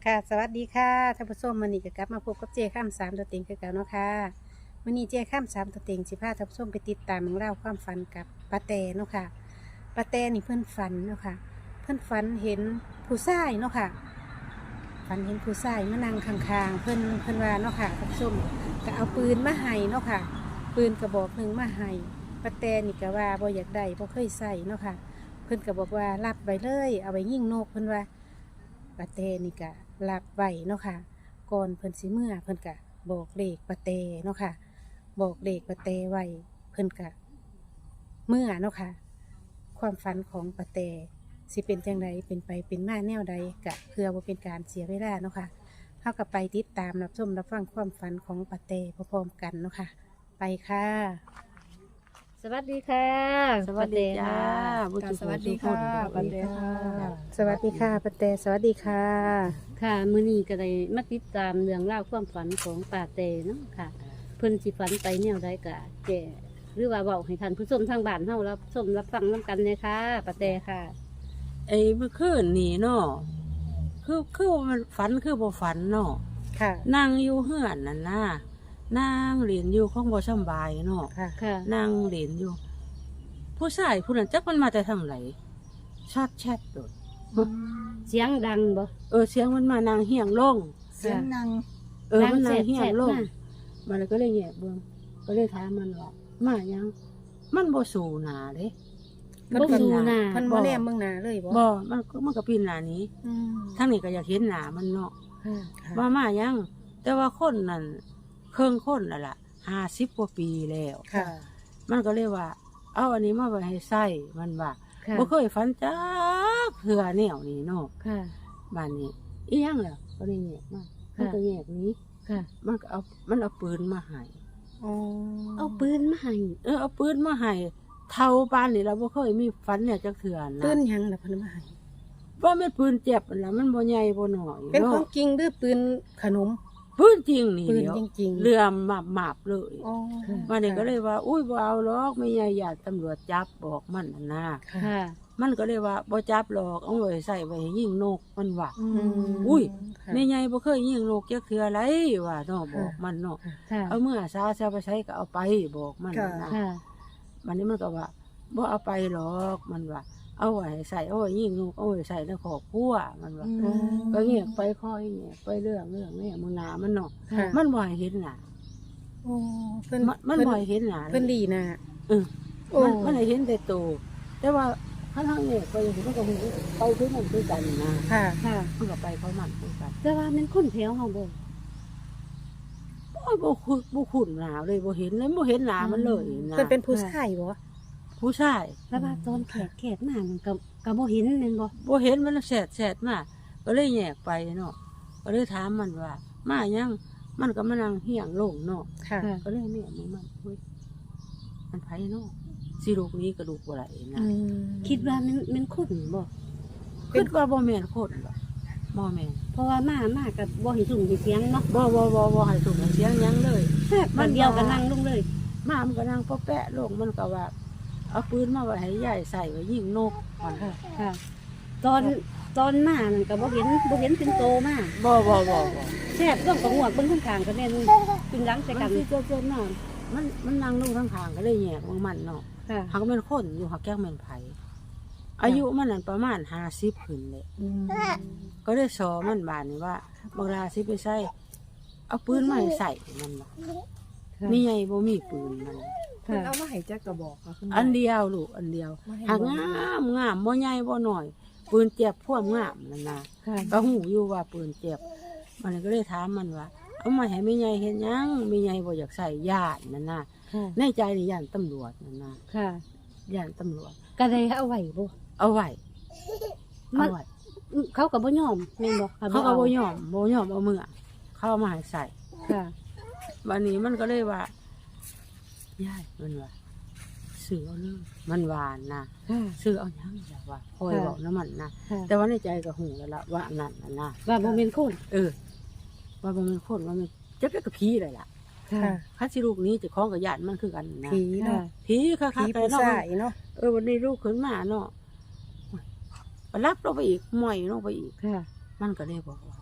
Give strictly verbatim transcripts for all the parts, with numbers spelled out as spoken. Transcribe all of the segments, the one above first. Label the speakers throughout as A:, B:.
A: ค่ะสวัสดีค่ะท่านผู้ชมมื้อนี้ก็กลับมาพบกับเจาข้ามสามตัวเต็งคือเก่าเนาะค่ะมื้อนี้เจาข้ามสามตัวเต็งสิพาท่านผู้ชมไปติดตามเรื่องราวความฝันกับป้าแตเนาะค่ะป้าแตนี่เพื่อนฝันเนาะค่ะเพื่อนฝันเห็นผู้ชายเนาะค่ะฝันเห็นผู้ชายมานั่งข้างๆเพื่อนเพื่อนว่าเนาะค่ะท่านผู้ชมก็เอาปืนมาให้เนาะค่ะปืนกระบอกหนึ่งมาให้ป้าแตนี่ก็ว่าบ่อยากได้บ่เคยใส่เนาะค่ะเพื่อนก็บอกว่ารับไว้เลยเอาไว้ยิงนกเพื่อนว่าป้าแตนี่ก็รับไว้เนาะค่ะก่อนเพิ่นสิเมื่อเพิ่นก็บอกเลขป้าแตเนาะค่ะบอกเลขป้าแตไว้เพิ่นก็เมื่อเนาะค่ะความฝันของป้าแตสิเป็นจังไดเป็นไปเป็นมาแนวใดกะเพื่อบ่เป็นการเสียเวลาเนาะค่ะเฮาก็ไปติดตามรับชมรับฟังความฝันของป้าแตพร้อมๆกันเนาะค่ะไปค่ะ
B: สวัสดีค่ะ
C: สวัสดีจ้า
B: ป้าแต
C: ค่ะ
B: สวัสดีค่ะ
C: สวัสดีค่ะ
A: สวัสดีค่ะป้าแตสวัสดีค่ะ
B: ค่ะมื้อนี้ก็ได้มาติดตามเรื่องราวความฝันของป้าแตเนาะค่ะ เพิ่นสิฝันไปแนวใดก็แก่หรือว่าเว้าให้ท่านผู้ชมทางบ้านเฮารับชมรับฟังนํกันเลยค่ะป้าแตค่ะ
C: ไอ้เมื่อคืนนี่เนาะคือคือว่ามันฝันคือบ่ฝันเนาะ
A: ค่ะ
C: นั่งอยู่เฮือนนั่นน่ะนั่งเรียนอยู่ของบ่สำบายเนาะ
A: ค่ะ
B: ค่ะ
C: นั่งเรียนอยู่ ผู้ชายผู้นั้นจักมันมาแต่ทางไหนชาดแชทโดด
B: เสียงดังบ่
C: เออเสียงมันมานางเฮียงลง
B: เสียงดัง
C: เออมันนางเฮียงลง
B: มา
C: มันก็เลยแยกเบิ่งก็เลยถามมันว่ามายัง มันบ่สู่หน้าเด้
B: บ่สู่หน้า
A: เพิ่นบ่แนมเบิ่งหน้าเลยบ่
C: บ่มันก็มันก็ปีนหน้านี้
A: อืม
C: ทางนี้ก็อยากเห็นหน้ามันเนาะ
A: ค่ะ
C: ว่ามายัง แต่ว่าคนนั่นเครื่องคนน่ะล่ะห้าสิบกว่าปีแล้ว
A: ค่ะ
C: มันก็เลยว่า เอาอันนี้มาไว้ให้ใส่มันว่า
B: ค่ะ
C: บ่เคยฝันจักเผื่อแนวนี้เนาะ
B: ค่ะ
C: บ้านนี้อีหยังล่ะก็เลยแยกมามันก็แยกหนี้
B: ค่ะ
C: มันก็เอามันเอาปืนมาให้
A: อ๋อ
B: เอาปืนมาให้
C: เออเอาปืนมาให้เท่าปานนี่เราบ่เคยมีฝันเนี่ยจักเถื่อนะ
A: ปืนหยังล่ะเพิ่นมาให้
C: ว่าแม่นปืนเจ็บนั่นล่ะมันบ่ใหญ่บ่น้อย
A: เป็นขอ
C: เนาะ
A: งจริงหรือปืนขนม
C: ปืนจริงนี่
A: ปืน
C: เดี๋ยว
A: จริงๆ
C: เรือหมาบๆเลย
A: อ๋อ
C: วันนี้ก็เลยว่า อุ้ยบ่เอาหรอกไม่ใหญ่ญาติตำรวจจับบอกมันน่ะนะ
A: ค่ะ
B: ค่ะ
C: มันก็เลยว่าบ่จับหรอกเอาไว้ใส่ไว้ให้ยิงนกมันว่า
A: อืม
C: อุ้ย
A: ค่ะ
C: แม่ใหญ่บ่เคยยิงนกจักเทื่ออะไรว่าเนาะบอกมันเนาะ
B: ค่ะ
C: เอาเมื่อซาซาไปใช้ก็เอาไปบอกมันน่ะนะ
B: ค่ะ
C: วันนี้มันก็ว่าบ่เอาไปหรอกมันว่า เอาไว้ให้ใส่เอาไว้ยิงนกเอาไว้ใส่ในครอบครัวมันว่า
A: อืม
C: ก็เงียบไปคอยเงียบไปเรื่องเรื่องนี่มึงหนามันเนาะ
A: ค่ะ
C: มันบ่ให้เห็นหน้า
A: โอ้เพิ่น
C: มันมันบ่ให้เห็นหน้า
A: เพิ่นดีนะ
C: เออ
A: โอ้
C: มันมันให้เห็นแต่ตัวแต่ว่าข้างทางเนี่ยไปเห็นมันก็เห็นไปคือมันคือกันนะ
A: ค่ะ
B: ค่ะ
C: มันก็ไปเขามันคือกัน
B: แต่ว่ามันคนแถวเฮาบ่
C: โอ้ยบ่คุ้นบ่คุ้นหน้าเลยบ่เห็นเลยบ่เห็นหน้ามันเลยนะ
A: เพิ่นเป็นผู้ชายบ่
C: ผู้ชาย
B: แต่ว่าตอนแขกแขกมามันก็ก็บ่เห็นแม่นบ่
C: บ่เห็นมันแสดแสดมาก็เลยแยกไปเนาะก็เลยถามมันว่า มายังมันก็มานั่งเฮียงลงเนาะ
A: ค่ะ
B: ค่ะ
C: ก็เลยเนี่ยมันมันเฮ้ยมันไผเนาะสิลูกนี้กระดูกบ่ไหลนะ
A: อืม
B: คิดว่ามันมันคนบ่
C: คิดว่าบ่แม่นคนบ่บ่แม่น
B: เพราะว่ามามากับบ่เห็นสุ่มเห็นเสียงเนาะ
C: บ่บ่บ่บ่ให้ถูกเสียงหยังเลย
B: แค่มันเดียวกันนั่งลงเลย
C: มามันก็นั่งปะแปะลงมันก็ว่า เอาปืนมาไว้ให้ยายใส่ไว้ยิงนกมัน
B: ค่ะ ค่ะ ตอนตอนมานั่นก็บ่เห็นบ่เห็นเป็นโตมา
C: บ่บ่บ่บ่
B: แซ่บต้องกระหวกเบิ่งข้างๆก็แม่นกินหลังใส่
C: มั
B: กัน น
C: สิเจอๆน่ะมันมันนั่งลงข้างๆก็เลยแยกของมันเนาะ
B: ค่ะ
C: หักเป็นคนอยู่หักแก้งเป็นไผอายุมันนั่นประมาณห้าสิบขึ้นเลย
A: อืม
C: ก็ได้สอมันบานนี่ว่าบางราสิไปใส่เอาปืนมาให้ใส่มันว่ามีไงบ่มีปืนมัน
D: เพิ่น
B: ค่ะ
D: เอามาให้จักกระบอกค่ะคุณแม่
C: อันเดียวลูกอันเดียว
D: มาให้
C: หาก
D: เบิ่
C: งามงามบ่ใหญ่บ่น้อย ปืนเจ็บพ่วงงามนั่นนะ
B: ค่ะ
C: ก็หูอยู่ว่าปืนเจ็บ มันก็เลยถามมันว่า เอามาให้แม่ใหญ่เฮ็ดหยังแม่ใหญ่บ่อยากใส่ญาตินั่นนะ
B: ค่ะ
C: ในใจนี่ย่านตำรวจนั่นนะ
B: ค่ะ
C: ย่านตำรวจ
B: ก็ได้เอาไว้บ่
C: เอาไว้
B: มั
C: เอา
B: น
C: ไว้
B: เขาก็บ่ยอมแม่นบ่
C: เขาก็บ่ยอมบ่ยอมเอามือเขาเอามาให้ใส่
B: ค่ะ
C: วันนี้มันก็เลยว่าย่ายมันว่าซื้อเอาเลยมันหวานนะ
B: ค่ะ
C: ซื้อเอาหยังแบบว่าคอย
B: ค่ะ
C: บอกน้ำมันนะ
B: ค่ะ
C: แต่ว่าในใจก็หูแล้วละว่าอันนั่นน่ะนะ
B: ว่าบ่เป็นคน
C: เออ ว่ามันเป็นคนว่ามันจะเป็นกับผีเลยล่ะ
B: ค่ะ
A: ค่ะ
C: ข้าสิลูกนี้จะคล้องกับญาติมันคือกันนะ
A: ผี
B: ค่ะ
A: เนาะ
C: ผีค่ะ
A: ผี
C: ค่ะ
A: ผู้
C: เนาะ
A: ชายเนาะ
C: เออวันนี้ลูกขึ้นมาเนาะไปรับเราไปอีกหม่อยลงไปอีก
B: ค่ะ
C: มันก็เลยบอกว่า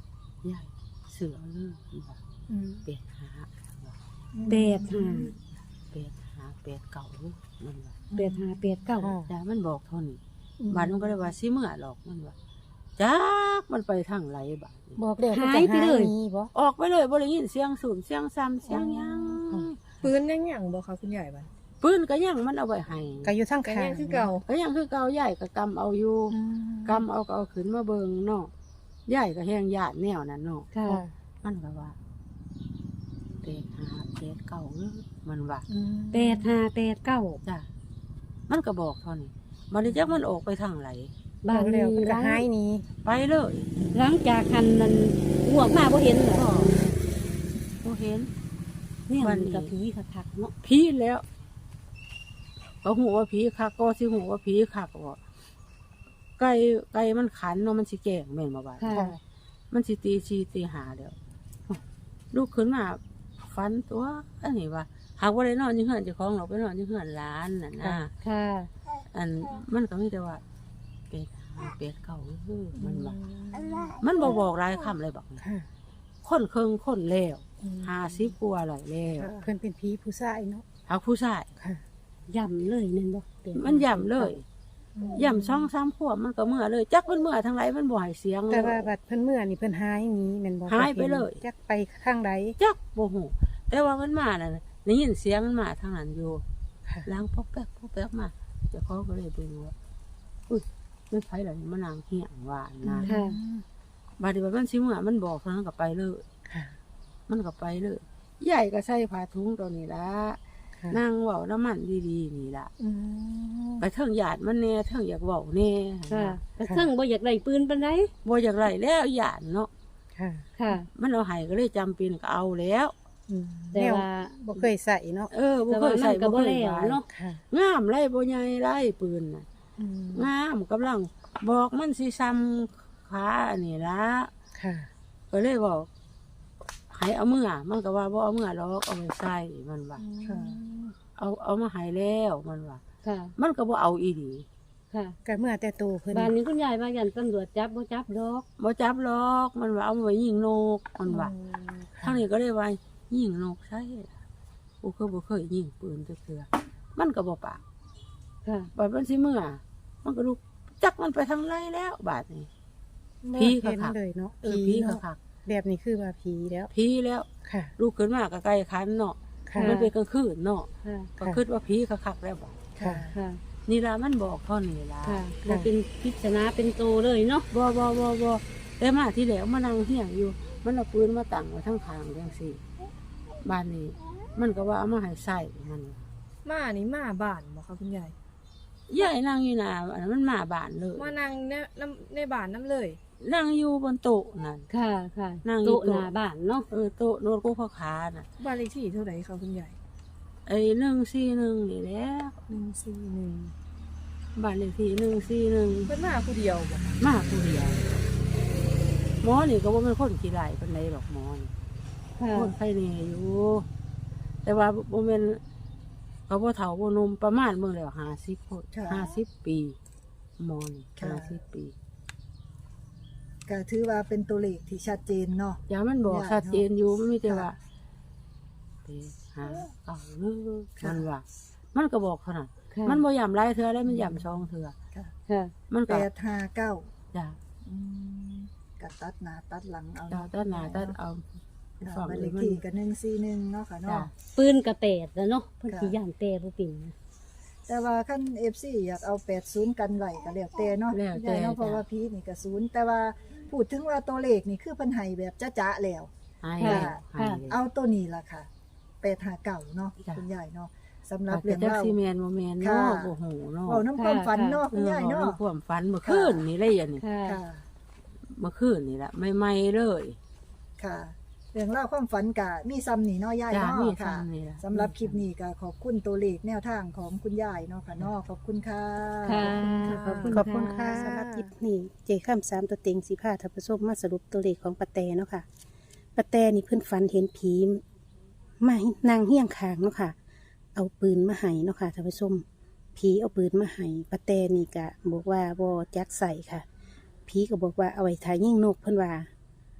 C: ยายเสือเลยว่า
A: อืม
C: เป็ดหา
B: แปดห้า
C: เป็ดหาเป็ดเก่าเลยมันว่า
B: แปดห้าแปดเก้า
C: แต่มันบอกเท่านี้บาดมันก็เลยว่าสิเมื่อหรอกมันว่าจักมันไปทางไหนบาดนี้
A: บอกเดี๋ยว
B: หายไปเลย
A: หนีบ่
C: ออกไปเลยบ่ได้ยินเสียงสูบเสียงซ้ำเสียงหยัง
D: ปืนยังหยังบ่คะคุณใหญ่บัด
C: ปืนก็ยังมันเอาไว้ให้
A: ก็อยู่ทั้ง
D: ก็
A: ข้าง
D: ยังคือเก่า
C: ก็ยังคือเก่าใหญ่ก็กำเอาอยู่
A: อืม
C: กำเอาก็เอาขึ้นมาเบิ่งเนาะใหญ่ก็แห้งญาติแนวนั้นเนาะ
B: ค่ะ
A: ค่ะ
C: มันก็ว่าเป็ดหาเป็ดเก่าเด้อมันว่า
A: อืม
B: แปดห้าแปดเก้า
C: จ้ะมันก็บอกเท่านี้มันเลยจักมันออกไปทางไหน
A: บา
B: บ้าน
A: แล้ว
B: นี้
A: มัน
B: ห
A: ก็
B: ลัง
A: หายหนี
C: ไปเลย
B: หลังจากคันนั้นห่วงมาบ่เห็นเหรอ
C: ก็บ่เห็น
B: เนี่ย
C: วั
B: มัน น
C: นี้
B: กับผีคักๆเนาะ
C: ผีแล้วก็หูว่าผีคักก็สิหูว่าผีคักว่าไก่ไก่มันขันเนาะมันสิแก่งแม่นบ่บาด
B: ค่ะ
A: ค่ะ
C: มันสิตีชีตีหาแล้วลูกขึ้นมาฟันตัวอันนี้ว่าหากว่าได้นอนอยังเหือนเจ้าของเราไปนอนอยังเหือนร้านน่ะนะ
B: ค่ะ
C: อันมันก็มีแต่ว่าเป็ดหาเป็ดเก่าเฮ้อมันว่ามันบ่บอกรายคำเลยบอก
A: ค่ะ
C: คนเคิงคนแล้ว
A: อืม
C: ห้าสิบกว่าแล้วแล้ว
A: เพิ่นเป็นผีผู้ชายเนาะ
C: หากผู้ชาย
A: ค่ะ
B: ย่ำเลยนั่นบ่แปดห้า
C: มันย่ำเลยย่ำช่องซ้ำขวบมันก็เมื่อเลย จักมันเมื่อทางไรมันบ่ให้เสียง
A: แต่
C: เลย
A: ว่าบัดเพิ่นเมื่อนี่เพิ่นหายหนีแม่นบ่
C: หายไปเลย
A: จักไปข้างใด
C: จักโมโหแต่ว่ามันมาน่ะได้ยินเสียงมันมาทางนั้นอยู่
A: ค่ะ
C: ล้างพอกแป๊กพอกแป๊กมาเจ้าของก็เลยไปดูว่าอุ้ยไม่ไผหรอกมันนางเหี้ยงว่านะ
B: ค่ะ
C: บาดนี้ว่ามันสิเมื่อมันบอกเท่านั้นก็ไปเลย
A: ค่ะ
C: มันก็ไปเลยใหญ่ก็ใส่ผ้าถุงตัวนี้ละ
A: ค่ะ
C: นางเว้าน้ำมันดีๆนี่ล่ะ
A: อืม
C: ไปเทิงหยาดมันแน่เทิงอยากเว้าแน่
B: ค่ะแต่ซึ่งบ่อยากได้ปืนปานใด
C: บ่อยากไรแล้วหยาดเนาะ
A: ค่ะ
B: ค่ะ
C: มันเอาให้ก็เลยจำเป็นก็เอาแล้ว
A: อืม
B: แต่
A: แนว
B: ว่า
A: บ่เคยใส่เนาะ
C: เออบ่
B: แต่
C: เค
B: ว่าย มั
C: ใส่
B: นก็
C: บ่
B: บ่
C: เคย
B: แล้ว
C: ไว้
B: เนาะ
A: ค่ะ
C: งามไรบ่ใหญ่ไรปืนน่ะ
A: อืม
C: งามกำลังบอกมันสิซ้ำขาอันนี้ละ
A: ค่ะ
C: ก็เลยบอกให้เอามือมันก็ว่าบ่เอามือหรอกเอาไปใส่มันว่า
A: ค่ะ
C: เอาเอามาให้แล้วมันว่า
B: ค่ะ
C: มันก็บ่เอาอีดี
B: ค่ะ
A: ก็เมื่อแต่โตเพิ่น
B: บ้านนี้คุณยายว่ายันตำรวจจับบ่จับดอก
C: บ่จับหรอกมันว่าเอาไว้ยิงนกมันว่า
A: อืม
C: ทางนี้ก็เลยว่ายิงนกใช่กูก็บ่เคยยิงปืนจักเทื่อมันก็บ่ปาก
B: ค่ะ
C: บาดมันสิเมื่อมันก็ลุกจักมันไปทางไรแล้วบาดนี้ ผี
A: ผี
C: คักๆ
A: เลยเนาะ
C: เออผีก็
A: เนาะ
C: คัก
A: แบบนี้คือว่าผีแล้ว
C: ผีแล้ว
A: ค่ะ
C: ลูกขึ้นมาก็ใกล้คันเนาะ
A: ค่ะ
C: มันเป็นกลางคืนเนาะ
B: ค่ะ
C: ก็คิดว่าผีคักๆแล้วบ่
A: ค่ะ
B: ค่ะ
C: นี่ล่ะมันบอกเท่านี้ล่ะ
B: ค่ะบ่เป็นพิจารณาเป็นโตเลยเนาะ
C: บ่บ่บ่บ่แต่มาที่แล้วมานั่งเฮียงอยู่ มันเอาปืนมาตั้งไว้ทั้งข้างจังซี่บ้านนี้ มันก็ว่าเอามาให้ใส่มัน
D: มานี่มาบ้านบ่คะคุณใหญ่
C: ยายนั่งอยู่หน้าอันนั้นมันมาบ้านเลย
D: มานั่งในน้ำในบ้านน้ำเลย
C: นั่งอยู่บนโต๊ะนั่น
B: ค่ะ ค่ะ
C: นั่งอยู่
B: โต๊ะ
C: โต๊ะ
B: หน้าบ้านเนาะ
C: เออโต๊ะโน้ตกูขาขาน่ะ
D: บ้านเลขที่เท่าไหร่คะคุณใหญ่
C: ไอ้หนึ่งสี่หนึ่งนี่แหล้ว
D: หนึ่งสี่หนึ่ง
C: บ้านเลขที่หนึ่งสี่หนึ่ง
D: เพิ่นมาผู้เดียวบ่
C: มาผู้เดียวหมอนี่ก็ว่าเป็นคนขี้ไหลเป็นไรหรอกหมอนี่
B: ค่ะ
C: คนไข้เนอยู่ แต่ว่าบ่แม่นเขาบ่เฒ่าบ่หนุ่มประมาณเบิ่งแล้วห้าสิบคนห้าสิบปีหมอนี่ห้าสิบปี
E: ก็ถือว่าเป็นตัวเลขที่ชัดเจนเนาะ
C: อย่ามันบอก
E: ย่า
C: ชัดเจนอยู่มันมีแต่ว่า
E: ค่ะ
C: ไปหาเก่าเด้อมันว่า มันก็บอกเท่านั้น
B: ค่ะ
C: มันบ่ย่ำหลายเทื่อแล้วมันย่ำสองเทื่อ
E: ค่ะ
B: ค่ะ
C: มัน
E: แป
C: ก็
E: ดห้าเก้า
C: จ้ะ
E: อืมก็ตัดหน้าตัดหลังเอา
C: จ้ะตัดหน้าตัดเอา
E: ค่ะ
C: ฝั่ง
E: บ้าน
C: เล
E: เลย ข
C: มัน
E: ที่กับหนึ่งสี่หนึ่งเนาะค่ะ
C: จ้ะ
E: เนาะ
B: ปืนกระแปดแล้วเนาะเพิ่น
E: ค่ะ
B: สิย่านแต่บ่เป็นนะ
E: แต่ว่าขั้นเอฟซีอยากเอาแปดศูนย์กันไหวก็แล้วแต่เนาะ
C: แล้วแต่
E: ได้เนาะเพราะ
C: จ้ะ
E: ว่าพีนี่ก็ศูนย์แต่ว่าพูดถึงว่าตัวเลขนี่คือเพันไห้แบบจ้าๆแล้ว
C: ให้
E: ค่ะ
C: แล้วให้แล้ว
E: เอาตัวนี้ล่ะค่ะแปดห้าเก้าเนาะ
C: จ้ะ
E: คุณยายเนาะสำหรับ
C: เรื่
E: เรื่
C: อ
E: อง ง
C: เล่า
E: เล่า
C: ซีเมนโมเมน
E: ค่ะ
C: เนาะโอ้โหเนาะ
E: เว้าน้ำความฝันเนาะ
C: เอ
E: คุณ
C: อย
E: าย
C: เว้า
E: เนาะ
C: น้ำความฝันเมื่อคืนนี่เลยอันนี้
B: ค่ะ
E: ค่ะ
C: เมื่อคืนนี่แหละใหม่ๆเลย
E: ค่ะ เรื่องเล่าวความฝันกะมีซ้ำนี่เนาะยาย
C: จ้า
E: เนาะ
C: มี
E: ค่ะ
C: ซ้ำนี่ล่ะ
E: สำหรับคลิปนี้ก็ขอบคุณตัวเลขแนวทางของคุณยายเนาะค่ะเนาะขอบคุณค่ะ
B: ค่ะ
E: ขอบคุณ
A: ขอบคุณค่ะ
B: ค่ะ
A: สำหรับคลิปนี้เจข้ามสามตัวเต็งสีผ้าทับผสมมาสรุปตัวเลขของปะแตเนาะค่ะปะแตนี่เพิ่นฝันเห็นผีมานางเฮี้ยงคางเนาะค่ะ เอาปืนมาให้เนาะค่ะทับผสมผีเอาปืนมาให้ปะแตนี่ก็บอกว่าบ่จักใส่ค่ะผีก็บอกว่าเอาไว้ถ่ายยิงนกเพิ่นว่า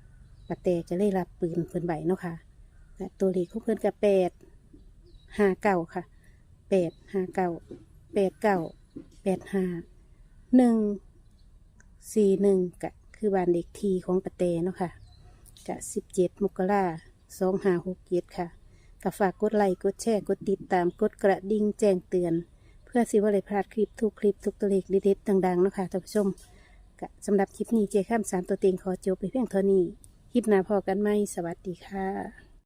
A: ปะแต่จะได้รับปืนเพิ่นใบเนาะค่ะและตัวเลขของเพิ่นกับแปดห้าเก้าค่ะแปดห้าเก้าแปดเก้าแปดห้าหนึ่งสี่หนึ่งกะคือบ้านเด็กทีของปะแต่เนาะค่ะกะสิบเจ็ดมกราสองห้าหกเจ็ดค่ะกะฝากกดไลค์กดแชร์กดติดตามกดกระดิ่งแจ้งเตือนเพื่อสิว่าได้พลาดคลิปทุกคลิปทุกตัวเลขเด็ดๆดังๆเนาะค่ะท่านผู้ชมกะสำหรับคลิปนี้เจข้ามสามตัวเต็งขอจบไปเพียงเท่านี้คลิปหน้าพอกันไหมสวัสดีค่ะ